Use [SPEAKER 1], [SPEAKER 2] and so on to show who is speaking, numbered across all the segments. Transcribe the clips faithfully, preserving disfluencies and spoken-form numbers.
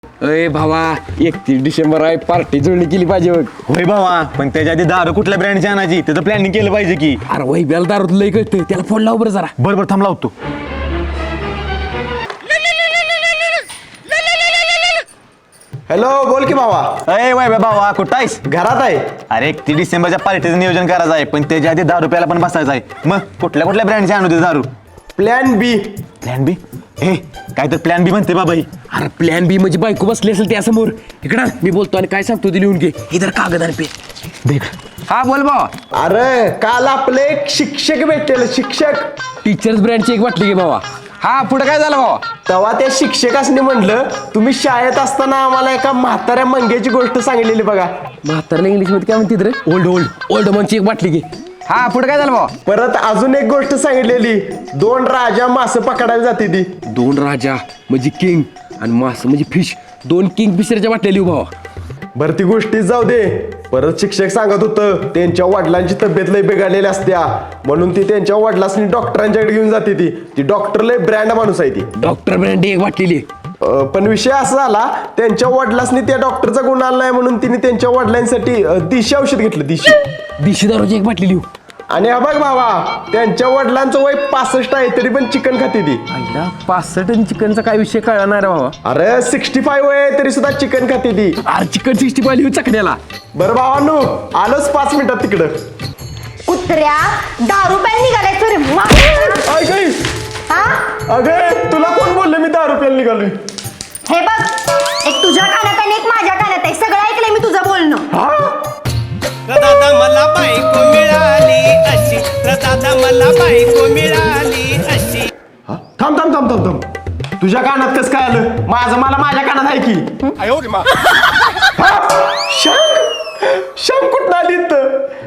[SPEAKER 1] अय भावा एकतीस डिसेंबर आहे, पार्टी जुळणी केली पाहिजे बघ.
[SPEAKER 2] होय भावा, पण त्याच्या आधी दारू कुठल्या ब्रँडची आणायची त्याचं प्लॅनिंग केलं पाहिजे की.
[SPEAKER 1] अरे वही बेल दारू लय कळतं, त्याला फोन लाव बरं जरा.
[SPEAKER 2] बरं बरं थांब लावतो.
[SPEAKER 3] हॅलो, बोल की भावा.
[SPEAKER 2] अय वय भावा कुठं आहेस?
[SPEAKER 3] घरात आहे.
[SPEAKER 2] अरे एकतीस डिसेंबरच्या पार्टीचं नियोजन करायचं आहे, पण त्याच्या आधी दारू प्यायला पण बसायचं आहे. मग कुठल्या कुठल्या ब्रँडची आणू दे दारू?
[SPEAKER 3] Plan B.
[SPEAKER 2] Plan B? हे काय तर प्लॅन बी म्हणते बाबा ही.
[SPEAKER 1] अरे प्लॅन बी म्हणजे बायको बसली असेल त्यासमोर. इकडं मी बोलतो आणि काय सांगतो ते लिहून घे. इधर कागद आणि पे. हा बोल भावा.
[SPEAKER 3] अरे काल आपले एक शिक्षक भेटलेले, शिक्षक.
[SPEAKER 1] टीचर्स ब्रँडची एक वाटली घे भावा. हा पुढे काय झालं भावा?
[SPEAKER 3] तेव्हा त्या शिक्षकासनी म्हणलं, तुम्ही शाळेत असताना आम्हाला एका म्हाताऱ्या मंग्याची गोष्ट सांगितलेली बघा.
[SPEAKER 1] म्हातारला इंग्लिश मध्ये काय म्हणते रे? ओल्ड ओल्ड ओल्ड मनची एक वाटली घे. हा पुढे काय झालं भावा?
[SPEAKER 3] परत अजून एक गोष्ट सांगितलेली, दोन राजा मासे पकडायला जाते ती.
[SPEAKER 1] दोन राजा म्हणजे किंग आणि मास म्हणजे फिश. दोन किंग फिशरच्या वाटल्या लिहू भावा.
[SPEAKER 3] बरं ती गोष्टीच जाऊ दे. परत शिक्षक सांगत होतं त्यांच्या वडिलांची तब्येत लय बिघडलेली असत्या, म्हणून ती त्यांच्या वडिलांनी डॉक्टरांच्याकडे घेऊन जाते. ती ती डॉक्टर लय ब्रँड माणूस आहे ती.
[SPEAKER 1] डॉक्टर ब्रँड एक वाटलेली.
[SPEAKER 3] अं, पण विषय असा झाला, त्यांच्या वडिलांनी त्या डॉक्टरचा गुण आणलाय म्हणून तिने त्यांच्या वडिलांसाठी अं, दिशी औषध घेतलं. दिशी
[SPEAKER 1] दिशी दारूची एक बाटली लिहू.
[SPEAKER 3] आणि हा बघ भावा, त्यांच्या वडिलांचं वय पासष्ट आहे तरी पण चिकन खाते ती.
[SPEAKER 1] आईला पासष्ट आणि चिकनचा काय विषय कळला नाही रे भावा.
[SPEAKER 3] अरे सिक्स्टी फाईव्ह वय आहे तरी सुद्धा चिकन खाते ती.
[SPEAKER 1] अरे चिकन सिक्स्टी फाय लिहू चकण्याला.
[SPEAKER 3] बरं भावानू, आलोच पाच मिनिटात तिकडं.
[SPEAKER 4] कुत्र्या दारू प्यायला निघालाय तू रे.
[SPEAKER 3] ऐक ऐक.
[SPEAKER 4] हा
[SPEAKER 3] अगं तुला कोण बोलले मी दहा रुपयाला निघालोय?
[SPEAKER 4] हे बघ, एक तुझ्या कानात आणि एक माझ्या कानात आहे. सगळं ऐकलंय मी तुझं बोलणं.
[SPEAKER 3] हा
[SPEAKER 5] दादा मला बायको मिळाली अशी, दादा मला बायको मिळाली अशी.
[SPEAKER 3] हा? थांब थांब थांब थांब थांब. तुझ्या कानात कसं काय आलं? माझं मला माझ्या कानात आहे की. हा? शंख शंख कुठं आली इथं?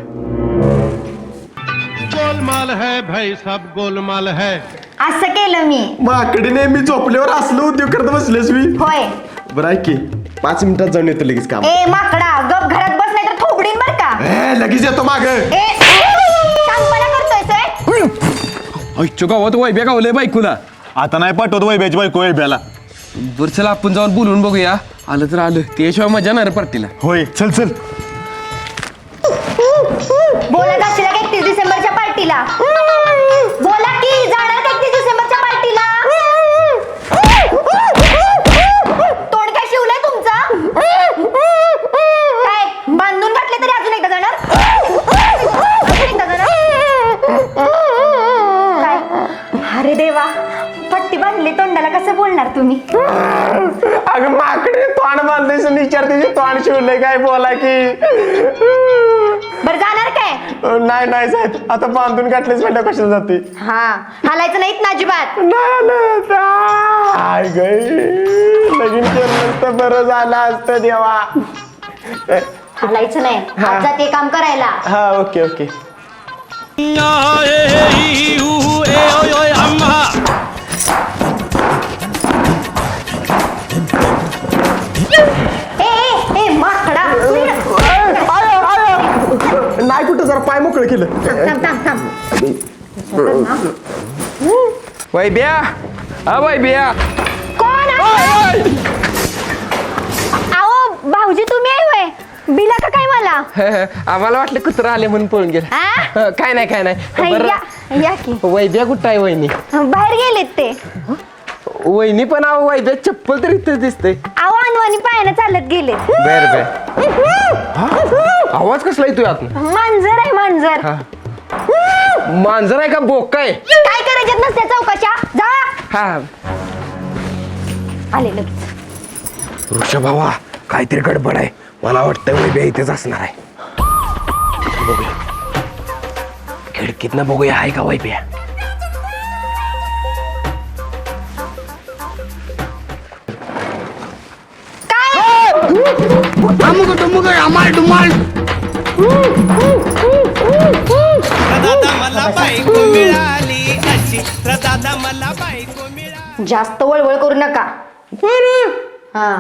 [SPEAKER 6] गोलमाल है भाई, सब गोलमाल है.
[SPEAKER 4] असं केलं मी.
[SPEAKER 3] माकडे नेहमी झोपल्यावर असलं उद्योग करत बसलेस मी.
[SPEAKER 4] होय.
[SPEAKER 3] बरं ऐक की, पाच मिनिटात जाऊन येतो लगेच काम.
[SPEAKER 4] ए माकडा, गप घरात बस नाही तर थोबडीन बर का.
[SPEAKER 3] ए, लगेच येतो माग.
[SPEAKER 4] ए शांतपणा करतोय सर.
[SPEAKER 1] आईच्या गावात वैब्या गावलंय बायकोला.
[SPEAKER 2] आता नाही पाठवत वैब्याची बायको वैब्याला.
[SPEAKER 1] बरं चला आपण जाऊन बोलून बघूया. आलं तर आलं, त्याशिवाय मजा नाही रे पार्टीला.
[SPEAKER 2] होय चल चल.
[SPEAKER 4] बोला जाशील का एकतीस डिसेंबरच्या पार्टीला? बोला की जाणार का एकतीस डिसेंबरच्या पार्टीला? तोंड काय शिवलंय तुमचं? काय बांधून घातले तरी अजून एकदा जाणार? अजून एकदा जाणार? काय? अरे देवा, पट्टी बांधली तोंडाला, कसं बोलणार तुम्ही?
[SPEAKER 3] अगं माकडे तोंड बांधलेस आणि विचारते तोंड शिवलंय काय, बोला की.
[SPEAKER 4] बरं जाणार काय?
[SPEAKER 3] नाही नाही साहेब, आता बांधून काढलेच म्हणलं कशाला जाते.
[SPEAKER 4] हा हालायचं नाहीत ना अजिबात.
[SPEAKER 3] आय गं, लगीन केलं नसतं बरं झालं असतं देवा.
[SPEAKER 4] हालायचं नाही. आज जाते काम करायला.
[SPEAKER 3] हा ओके ओके.
[SPEAKER 4] ए ए ए माकडा,
[SPEAKER 3] नाही कुठं, जरा पाय मोकळं केलं.
[SPEAKER 4] थांब थांब थांब.
[SPEAKER 1] वैब्या, हा वैब्या.
[SPEAKER 4] कोण आहे? अहो भाऊजी तुम्ही आहे होय? बिला का काय मला?
[SPEAKER 1] आम्हाला वाटलं कुत्रा आले म्हणून पळून गेला.
[SPEAKER 4] आ?
[SPEAKER 1] काय नाही काय नाही.
[SPEAKER 4] हाय,
[SPEAKER 1] बरं,
[SPEAKER 4] या या की.
[SPEAKER 1] वैब्या कुठं आहे वहिनी?
[SPEAKER 4] बाहेर गेलेत ते.
[SPEAKER 1] वहिनी पण अहो वैब्या चप्पल तर इथं दिसते.
[SPEAKER 4] अहो अनवानी पायानं चालत गेले.
[SPEAKER 1] बर बर. आवाज कसला येतोय आत?
[SPEAKER 4] मांजर आहे मांजर.
[SPEAKER 1] मांजर आहे का बोका आहे?
[SPEAKER 4] काय करायच्यात नसत्या चौकशा, जा.
[SPEAKER 1] हा
[SPEAKER 4] आले लगेच.
[SPEAKER 1] ऋषभ भावा, काहीतरी गडबड आहे. मला वाटतं वैब्या इथेच असणार आहे. बघूया खिडकीतनं बघूया, आहे का वैब्या?
[SPEAKER 5] दादा मला बायको मिळाली अशी, दादा मला बायको मिळाली.
[SPEAKER 4] जास्त वळवळ करू नका. हा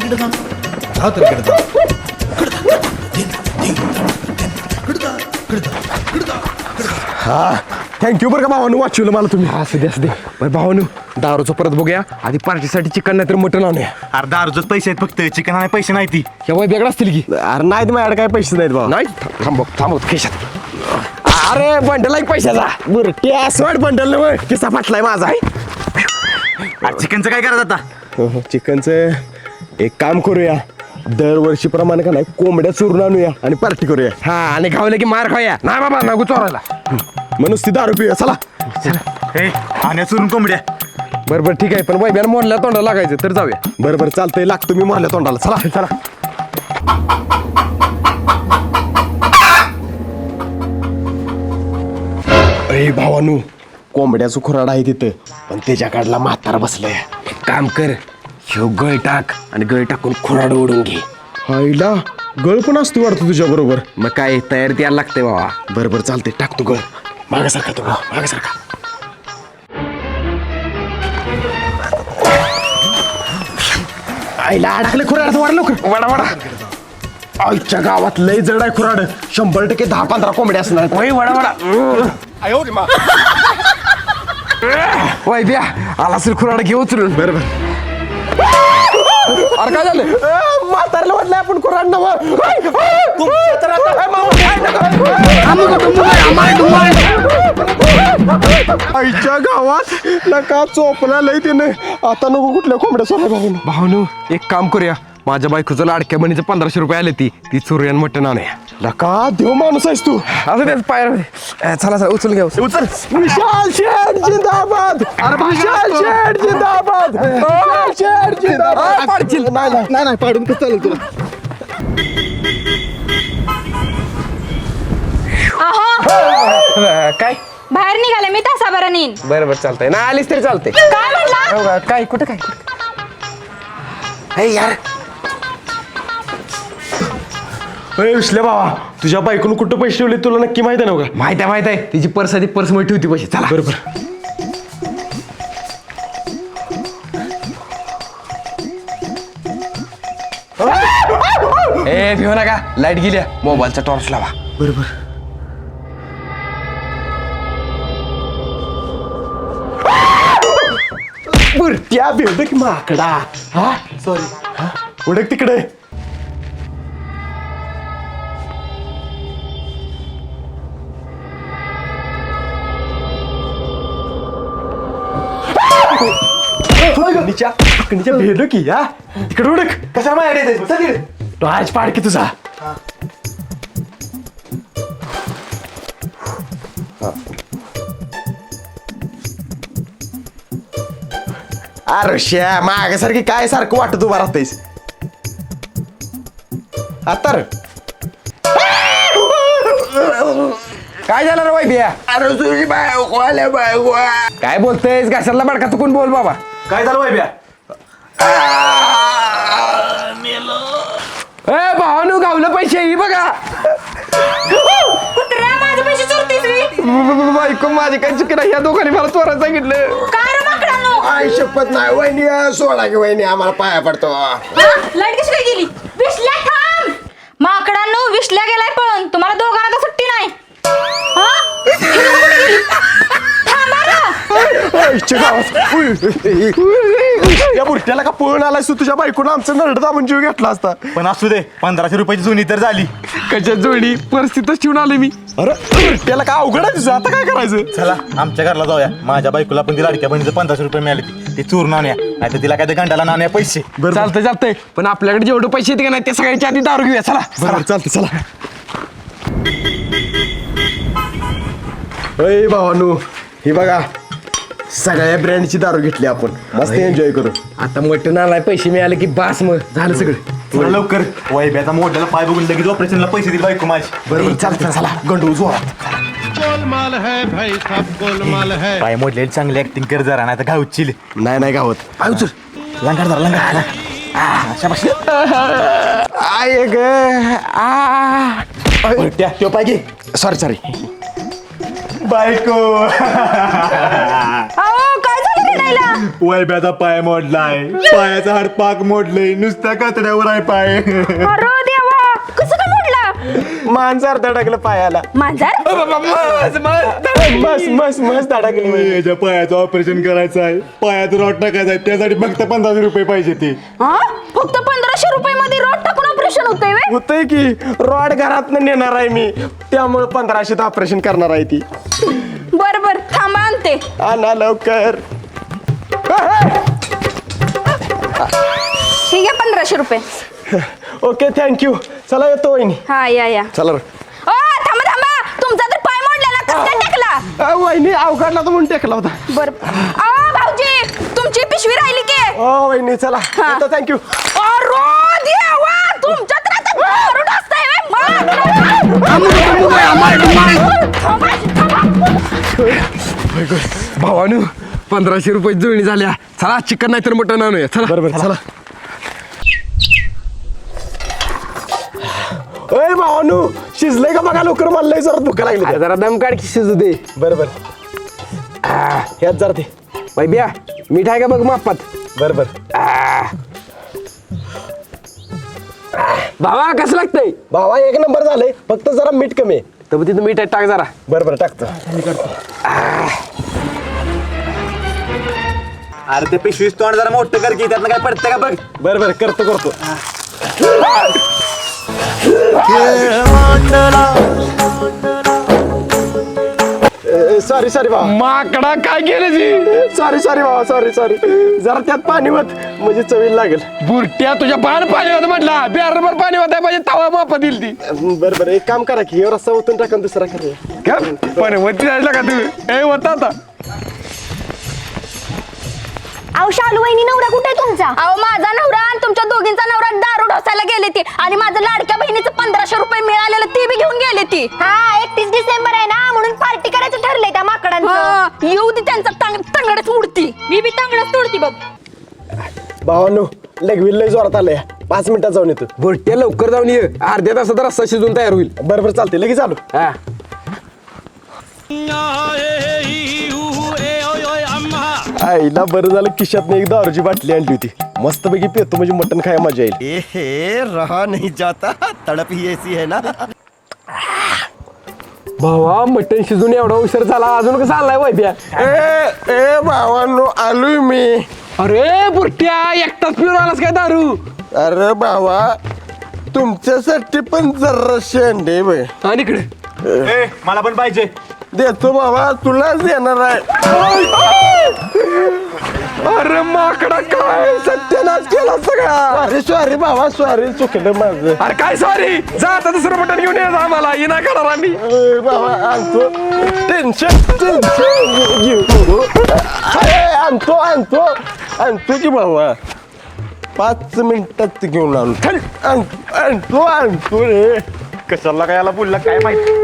[SPEAKER 3] हा थँक्यू बरं का भावानं वाचवलं मला तुम्ही.
[SPEAKER 1] असू दे असू दे बरं भावानू दारूचं परत बघूया आधी पार्टीसाठी चिकन नाही तर मटण आणूया.
[SPEAKER 2] अरे दारूच पैसे आहेत फक्त चिकन आणि पैसे नाही ती.
[SPEAKER 1] केव्हा वेगळं असतील की
[SPEAKER 3] अरे नाहीत माझ्याकडे काय पैसे नाहीत भावा.
[SPEAKER 1] नाही थांबव थांबव खिशात अरे बंडल आहे पैशाचा.
[SPEAKER 3] बरं ते असं वाट बंडल ना किस्सा फाटलाय माझा आहे.
[SPEAKER 2] अरे चिकनचं काय करायचं आता?
[SPEAKER 3] चिकनचं एक काम करूया दरवर्षीप्रमाणे का नाही कोंबड्या चोरून आणूया आणि पार्टी करूया.
[SPEAKER 1] हा आणि खावलं की मार खाऊया नाही बाबा नको चोरायला.
[SPEAKER 3] मग नुसती दारू पिऊया चला.
[SPEAKER 2] हे आणि चुरून कोंबड्या.
[SPEAKER 1] बरं बरं ठीक आहे पण वैब्याला मोडल्या तोंडाला लागायचं तर जाऊया.
[SPEAKER 3] बरं बरं चालतंय लागतो मी मारल्या तोंडाला चला चला. अरे भावानू कोंबड्याचं खुराड आहे तिथं पण त्याच्या काढला म्हातारा बसलाय.
[SPEAKER 1] एक काम कर ह्यो गळ टाक आणि गळ टाकून खुराड ओढून घे.
[SPEAKER 3] आईला गळ पण असतो वाटतं तुझ्या बरोबर.
[SPEAKER 1] मग काय तयारी द्यायला लागते बाबा.
[SPEAKER 3] बरं बरं चालतंय टाकतो गळ. मागासारखा तो मागासारखा. आईला अडकले खुराड वाढ लवकर वाडा वाडा. आईच्या गावात लय जड आहे खुराड. शंभर टक्के दहा पंधरा कोंबड्या असणार आहेत.
[SPEAKER 1] वय वडा वडा वय द्या आला असेल खुराड घे उचलून.
[SPEAKER 3] बरं बरं
[SPEAKER 1] अरे काय झालं
[SPEAKER 3] म्हातारला वाटलं आपण खुराड नवं. आईच्या गावात नका चोपला लय तिने. आता नको कुठल्या कोंबड्या सोडा.
[SPEAKER 1] भावनू एक काम करूया माझ्या बायकोचं लाडक्या बहिणीचं पंधराशे रुपये आले ती ती चुरियन मटण आणूया.
[SPEAKER 3] नका देव माणूस आहेस तू.
[SPEAKER 1] असं त्याच पायर चला चला उचल घ्या उचल.
[SPEAKER 2] उचल.
[SPEAKER 3] विशाल शेठ जिंदाबाद. विशाल शेठ जिंदाबाद. विशाल शेठ जिंदाबाद.
[SPEAKER 1] पाडशील.
[SPEAKER 3] नाही नाही नाही पाडून कसं चालेल तुला.
[SPEAKER 4] अहो
[SPEAKER 1] काय
[SPEAKER 4] बाहेर निघाले मी तासाभराने येईन.
[SPEAKER 1] बरं बरं चालतंय ना आलीस तरी चालते.
[SPEAKER 4] काय म्हणला?
[SPEAKER 1] काय कुठं काय हे यार
[SPEAKER 3] अरे विसल्या बाबा तुझ्या बायकोनं कुठं पैसे ठेवले तुला नक्की माहिती आहे ना का?
[SPEAKER 1] माहिती आहे माहिती आहे तिची पर्स आधी पर्स मध्ये ठेवती पैसे. चला
[SPEAKER 3] बरोबर.
[SPEAKER 1] ए भिऊ नका लाईट गेल्या मोबाईलचा टॉर्च लावा.
[SPEAKER 3] बरोबर. त्या भेटक माकडा. हा सॉरी. हा उडक तिकडे. अकणीच्या भेटलो की हा तिकडे उडक.
[SPEAKER 2] कशा माझ्या
[SPEAKER 3] तो आज पाड की तुझा. अरे श्या मागासारखी काय सारखं वाटत उभा राहतेस आता रे.
[SPEAKER 1] काय झालं रे वैभ्या. अरे तुझी बायको आल्या बायको. काय बोलतेस घशाला बडका चुकून बोल बाबा.
[SPEAKER 2] काय झालं वैभ्या?
[SPEAKER 1] ए भावानू गावलं पैसे ही बघा.
[SPEAKER 4] कुत्र्या माझे पैसे चोरतीस मी.
[SPEAKER 1] बायको माझी काय चुकी नाही या दोघांनी मला चोरायला सांगितलं.
[SPEAKER 4] काय रे माकडांनो?
[SPEAKER 3] आई शपथ नाही वहिनी सोडा की वहिनी आम्हाला पाया पडतो.
[SPEAKER 4] लाईट कशी काय गेली? विसल्या थांब. माकडांनो विसल्या गेलाय पण तुम्हाला दोघांना तर सुट्टी नाही. हा? थांबा ना.
[SPEAKER 3] आईच्या गावात. उय. या बुरट्याला का पळून आलायस तू. तुझ्या बायकोनं आमचं नरड दाबून जीव घेतला असता.
[SPEAKER 2] पण असू दे पंधराशे रुपयाची जुनी तर झाली.
[SPEAKER 1] कशा जोडी परिस्थितीच ठेवून आले मी.
[SPEAKER 3] अरे बुरट्याला का अवघड आहे तुझं. आता काय करायचं.
[SPEAKER 2] चला आमच्या घरला जाऊया. माझ्या बायकोला पण ती लाडक्या बहिणीचं पंधराशे रुपये मिळाले ती ती चोरून आणूया नाही तर तिला काय ते गंडाला नाण्या पैसे.
[SPEAKER 1] चालतंय चालतंय पण आपल्याकडे जेवढे पैसे येते का नाही ते सगळ्याच्या आधी दारू घेऊया. चला
[SPEAKER 3] बरोबर चालतं चला. अय भावानू ही बघा सगळ्या ब्रँडची दारू घेतली आपण मस्त एन्जॉय करू.
[SPEAKER 1] आता मटण आलाय पैसे मिळाले की बास मग झालं सगळं.
[SPEAKER 2] चला लवकर. वैभ्याचा मोठ्याला पाय बघून लगेच ऑपरेशनला पैसे दिले बायको माझी.
[SPEAKER 3] बरोबर चालतं चला गंडू जोरात.
[SPEAKER 6] गोलमाल है भाई सब गोलमाल है.
[SPEAKER 2] पाय मोडलेली चांगली ऍक्टिंग कर जरा नाही तर घावची.
[SPEAKER 3] नाही नाही गावत.
[SPEAKER 2] पाय उचल. लंगार जरा लंगार.
[SPEAKER 3] आय ग आ
[SPEAKER 2] त्या तो पाय घे.
[SPEAKER 3] Sorry sorry.
[SPEAKER 2] बायको
[SPEAKER 4] अहो काय झालं रे व्हायला?
[SPEAKER 2] वैब्याचा पाय मोडलाय, पायाचा हाड पाक मोडलंय, नुसत्या कातड्यावर आहे पाय.
[SPEAKER 4] अरे देवा, कसं काय मोडलं?
[SPEAKER 3] मांजर धडकलं पायाला.
[SPEAKER 4] मांजर?
[SPEAKER 3] मस मस मस धडकली.
[SPEAKER 2] याच्या पायाचं ऑपरेशन करायचं आहे, पायात रॉड टाकायचं आहे, त्यासाठी फक्त पंधराशे रुपये पाहिजे ते.
[SPEAKER 4] हा? फक्त पंधराशे रुपये मध्ये रोड टाकून ऑपरेशन होतंय व्हय?
[SPEAKER 3] होतंय की रॉड घरात नेणार आहे मी, त्यामुळे पंधराशेत ऑपरेशन करणार आहे ती.
[SPEAKER 4] बर बर थांबा आणते.
[SPEAKER 3] आणा लवकर.
[SPEAKER 4] ठीक आहे पंधराशे रुपये.
[SPEAKER 3] Okay thank you. चला येतो वहिनी.
[SPEAKER 4] हा या या.
[SPEAKER 3] चला
[SPEAKER 4] ओ थांबा थांबा, तुमचा तर पाय मोडलेला, कसं काय टाकला?
[SPEAKER 3] अ, वहिनी अवघडला तर म्हणून टेकला होता.
[SPEAKER 4] बर आ भाऊजी, तुमची पिशवी राहिली की?
[SPEAKER 3] ओ वहिनी चला येतो. थँक्यू.
[SPEAKER 4] अरे देवा, तुमच्या तर आता दारू ढोसताय व्हय?
[SPEAKER 1] भावानू पंधराशे रुपये जुळणी झाल्या. चला चिकन नाही तर मटण आणूया. चला
[SPEAKER 3] बरोबर चला. अय भावानू शिजलंय का बघा लवकर, मला लय जरा भूक लागली.
[SPEAKER 1] जरा दम काढ की शिजू दे.
[SPEAKER 3] बरोबर ह्यात जरा ते.
[SPEAKER 1] बाई बिया मीठ आहे का बघ मापात.
[SPEAKER 3] बरोबर
[SPEAKER 1] भावा कसं लागतंय?
[SPEAKER 3] भावा एक नंबर झालंय, फक्त जरा मीठ कमी आहे.
[SPEAKER 1] तर तिथं मीठ आहे, टाक जरा.
[SPEAKER 3] बरोबर टाकतो.
[SPEAKER 2] अरे ते पिशवीच तोंड जरा मोठं कर की, त्यातनं काय पडतं का बघ.
[SPEAKER 3] बरोबर करतो करतो. सॉरी सॉरी भावा.
[SPEAKER 1] माकडा काय केलं जी?
[SPEAKER 3] सॉरी सॉरी भावा, सॉरी सॉरी. जरा त्यात पाणी होत म्हणजे चवीला लागेल.
[SPEAKER 1] बुरट्या तुझ्या पान पाणी होतं म्हटला, बिहारभर पाणी होतं पाहिजे, तवा मापा दिली ती.
[SPEAKER 3] बरोबर एक काम करा की हे रस्सा ओतून टाका आणि दुसरा करूया.
[SPEAKER 1] पण वरती जायला का तू? ए होता आता.
[SPEAKER 4] अहो शालू वहिनी, नवरा कुठे आहे तुमचा? अहो माझा नवरा आणि तुमच्या दोघींचा नवरा दारू ढोसायला गेले ती, आणि माझं लाडक्या बहिणीचं पंधराशे रुपये मिळालेलं ते बी घेऊन गेले ती. हा एकतीस डिसेंबर आहे ना, म्हणून पार्टी करायचं ठरलंय त्या माकडांचं. येऊ दे त्यांचा तंगडच उडती, मी बी तंगडच तोडती बघ.
[SPEAKER 3] भावानो लगविल लय जोरात आलंय, पाच मिनिटात जाऊन येतो.
[SPEAKER 1] बुरट्या लवकर जाऊन ये, अर्ध्या तासात रस्सा शिजून तयार होईल.
[SPEAKER 3] बरोबर चालते, लगेच आलो.
[SPEAKER 1] हा
[SPEAKER 3] आईला बरं झालं खिशात एक दारूची बाटली आणली होती, मस्तपैकी पेतो म्हणजे मटण खायला मजा येईल.
[SPEAKER 7] एहे रहा नहीं जाता, तड़प ही ऐसी है ना.
[SPEAKER 1] भावा मटण शिजून एवढा उशीर झाला, अजून कसं आलाय वैद्या?
[SPEAKER 3] ए ए भावानो आलोय मी.
[SPEAKER 1] अरे बुरट्या एकटाच पिऊन आलास काय दारू?
[SPEAKER 3] अरे भावा तुमच्यासाठी पण जरा शेंडे बघ.
[SPEAKER 1] आणि इकडे
[SPEAKER 2] ए मला पण पाहिजे.
[SPEAKER 3] देतो बाबा, तुलाच देणार आहे.
[SPEAKER 1] अरे माकडा काय सत्यानाश केला सगळा.
[SPEAKER 3] सॉरी सॉरी बाबा, सॉरी चुकलं माझं.
[SPEAKER 1] अरे काय सॉरी, जा आता दुसरं मटण घेऊन ये आम्हाला, ये नाही करणार आम्ही.
[SPEAKER 3] ए, बाबा आणतो. टेन्शन टेन्शन घेऊ नको. अरे, आणतो आणतो आणतो की बाबा, पाच मिनिटात घेऊन आणतो. आण- आणतो आणतो रे.
[SPEAKER 2] कशाला काय याला बोलला काय माहिती.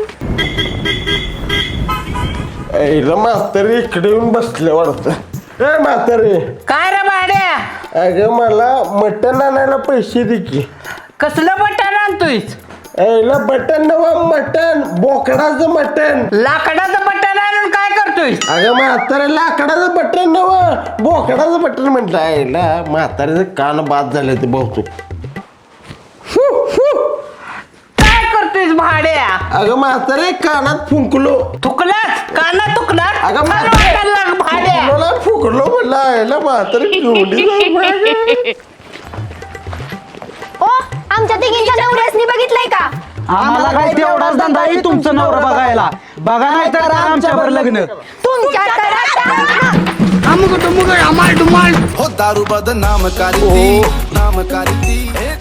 [SPEAKER 3] ऐला म्हातारी इकडे येऊन बसले वाटतं. ए म्हातारी,
[SPEAKER 8] काय रे भाड्या,
[SPEAKER 3] अगं मला मटण आणायला पैसे दे की.
[SPEAKER 8] कसलं बटन आणतोयस?
[SPEAKER 3] ऐला बटन नवं मटण, बोकडाचं मटण.
[SPEAKER 8] लाकडाचं बटन आणून काय करतोयस?
[SPEAKER 3] अगं म्हातारे लाकडाचं बटन नवं, बोकडाचं बटन म्हटलं. आईला म्हाताऱ्याचं कान बाद झाले ते बहुतेक.
[SPEAKER 8] काय करतोयस भाड्या?
[SPEAKER 3] अगं म्हातारे कानात फुंकलो.
[SPEAKER 8] थुकलास काना तुकलास?
[SPEAKER 3] अगं
[SPEAKER 8] मला
[SPEAKER 3] म्हातारे
[SPEAKER 8] वाटायला लाग भाड्या.
[SPEAKER 3] फुकलो फुकलो म्हणलं. आईला म्हातारे घेऊन
[SPEAKER 4] ओ आमच्या तिघींच्या नवऱ्यासनी बघितलंय का?
[SPEAKER 7] आम्हाला काय तेवढाच धंदा आहे तुमचं नवरा बघायला. बघा नाही तर आमच्यावर लग्न.
[SPEAKER 4] तुमच्या तर आता-
[SPEAKER 9] हो दारू बदनाम करती नाम करती हे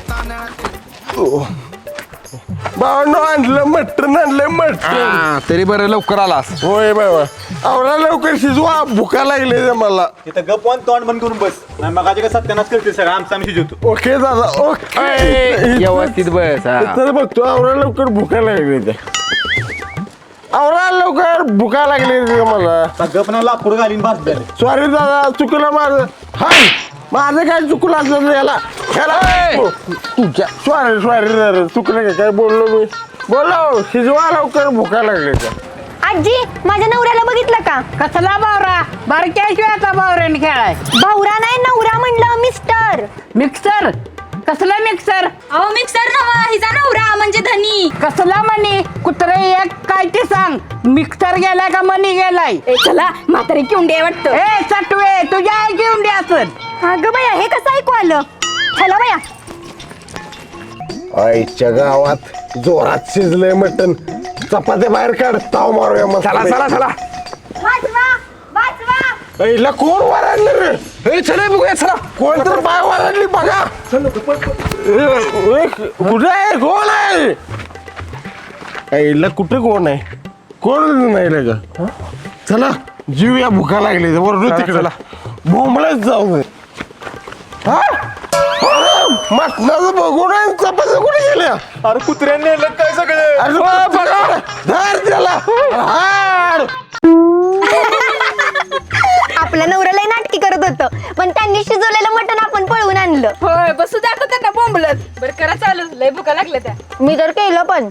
[SPEAKER 3] भावनो आणलं मटण आणलं मटण.
[SPEAKER 1] हा, तरी बरं लवकर आलास.
[SPEAKER 3] होय बाबा, आवडा लवकर शिजवा, भुका लागले रे मला.
[SPEAKER 2] इथं गप वन तोंड बंद करून बस. नाही मग काय सत्यानाश करते सगळं, आमचा आम्ही शिजवतो.
[SPEAKER 3] ओके दादा ओके.
[SPEAKER 1] व्यवस्थित बस. हा.
[SPEAKER 3] इथं बघतो, आवडा लवकर भुका लागले ते. आवडा लवकर भुका लागली रे मला.
[SPEAKER 2] गप ना लाकूड घालीन भात द्या.
[SPEAKER 3] सॉरी दादा, चुकलं माझं. हाय माझं काय चुकलं असलं याला याला तुझ्या. सॉरी सॉरी दादा, चुकलं काय काय बोललो मी. बोलो शिजवा लवकर, भुका लागले त्या.
[SPEAKER 4] आजी माझ्या नवऱ्याला बघितलं का?
[SPEAKER 8] कसला बावरा बारक्याशिवाय आता बावऱ्याने खेळाय
[SPEAKER 4] भावरा नाही नवरा म्हणलं मिस्टर.
[SPEAKER 8] मिक्सर कसला मिक्सर
[SPEAKER 4] अहो मिक्सर नवा हिचा नवरा म्हणजे धनी.
[SPEAKER 8] कसला मनी कुत्रे एक काय ते सांग मिक्सर गेलाय का मनी गेलाय
[SPEAKER 4] ए चला म्हातारी किंडे वाटतं.
[SPEAKER 8] ए सटवे तुझ्या आई घेऊन द्या असत
[SPEAKER 4] अगं बाया हे कसं ऐकू आलं? चला बाया.
[SPEAKER 3] आईच्या गावात जोरात शिजलंय मटण. चपात्या बाहेर काढ ताव मारूया मग.
[SPEAKER 1] चला चला चला
[SPEAKER 4] वाचवा वाचवा.
[SPEAKER 3] आईला कोण वराडलं रे?
[SPEAKER 1] ए चला बघूया चला.
[SPEAKER 3] कोण तर बाय वराडली बघा. ए, कुठे आहे कोण आहे? आईला कुठे कोण आहे? कोण नाही का? चला जीव या भुका लागली वरडू तिकडे भोंबळच जाऊ दे. हा मटणाचं बघून आहे, चपात्या कुठे गेल्या?
[SPEAKER 2] अरे कुत्र्यांनी नेलं काय सगळे
[SPEAKER 3] अरे वा, बघा धर त्याला हाड.
[SPEAKER 4] आपल्या नवऱ्याला नाटकी करत होतं पण त्यांनी शिजवलेलं मटण आपण पळवून आणलं.
[SPEAKER 10] होय बसू दाखव त्यांना बोंबलत. बरं करा चालू लय भुका लागल्या त्या.
[SPEAKER 4] मी तर केलं पण.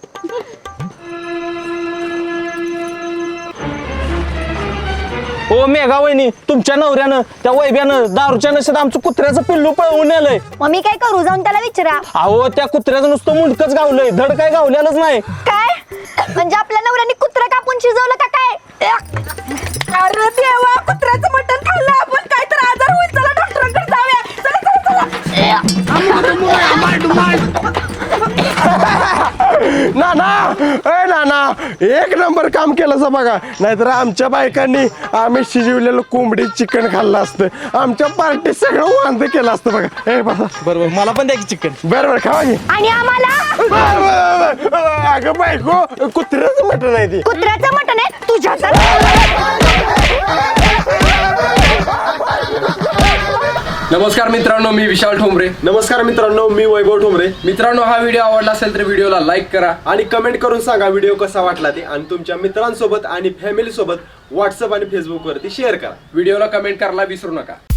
[SPEAKER 7] ओ मेघा वहिनी तुमच्या नवऱ्यानं त्या वैब्यानं दारूच्या नशेत आमचं कुत्र्याचं पिल्लू पळवून नेलंय.
[SPEAKER 4] मग मी काय करू? जाऊन त्याला विचारा.
[SPEAKER 7] अहो त्या कुत्र्याचं नुसतं मुंडकच गावलंय धड काय गावलेलंच नाही.
[SPEAKER 4] काय म्हणजे आपल्या नवऱ्याने कुत्रा कापून शिजवलं का काय?
[SPEAKER 10] अरे देवा कुत्र्याचं मटण खाल्लं आपण काय तर आजार होईल. चला डॉक्टरांकडे जाऊया. चला चला
[SPEAKER 3] नाना ए नाना एक नंबर काम केलं बघा. नाहीतर आमच्या बायकांनी आम्ही शिजवलेलं कोंबडी चिकन खाल्लं असतं. आमच्या पार्टी सगळं वांद केलं असतं बघा. ए बसा
[SPEAKER 7] बरोबर मला पण द्या की चिकन.
[SPEAKER 3] बरं बरं खावा की.
[SPEAKER 4] आणि आम्हाला
[SPEAKER 3] बरं, बरं, बरं. अगं बायको कुत्र्याचं मटण आहे ती.
[SPEAKER 4] कुत्र्याचं मटण आहे तुझ्या.
[SPEAKER 1] नमस्कार मित्रांनो, मी विशाल ठोंबरे.
[SPEAKER 3] नमस्कार मित्रांनो, मी वैभव ठोंबरे.
[SPEAKER 1] मित्रांनो, हा व्हिडिओ आवडला असेल तर व्हिडिओला लाईक करा
[SPEAKER 3] आणि कमेंट करून सांगा व्हिडिओ कसा वाटला ते. आणि तुमच्या मित्रांसोबत आणि फॅमिली सोबत व्हॉट्सअप आणि फेसबुक वरती शेअर करा.
[SPEAKER 1] व्हिडिओला कमेंट करायला विसरू नका.